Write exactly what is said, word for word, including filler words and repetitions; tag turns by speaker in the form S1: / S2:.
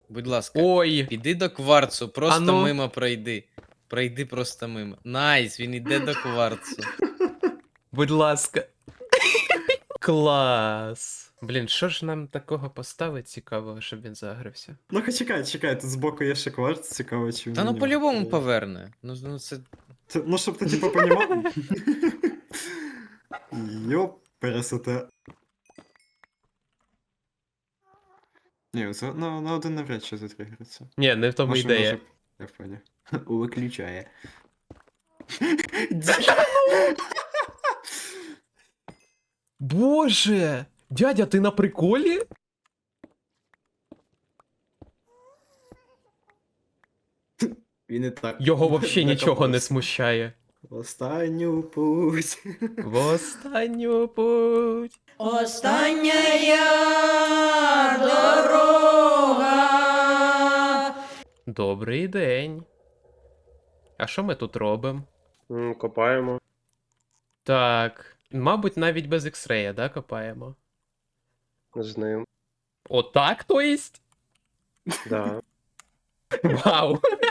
S1: Будь ласка,
S2: Ой!
S1: піди до кварцу, просто
S2: Ану.
S1: мимо пройди. Пройди просто мимо. Найс, він іде до кварцу.
S2: Будь ласка. Клас. Блін, що ж нам такого поставити цікавого, щоб він загрився?
S3: Ну-ка чекай, чекай, тут збоку є ще кварц, цікаво, чи
S1: Та ну
S3: мені
S1: по-любому
S3: впаде.
S1: поверне. Ну, ну це.
S3: Це- Ну, щоб ти типу понімав. Йоп, пересоте. Ні, це на, на один навряд чи затригериться.
S2: Ні, не в тому
S3: Може,
S2: ідея.
S3: може- Я понял. Виключає.
S2: Боже! Дядя, ти на приколі?
S3: Він і так.
S2: Його взагалі нічого не
S3: докопався.
S2: смущає.
S3: Останню путь.
S2: В останню путь.
S4: Остання дорога.
S2: Добрий день. А що ми тут робимо?
S5: М, Копаємо.
S2: Так, мабуть, навіть без ікс-рея, да, копаємо?
S5: З ним.
S2: Отак, то єсть?
S5: Да.
S2: Вау!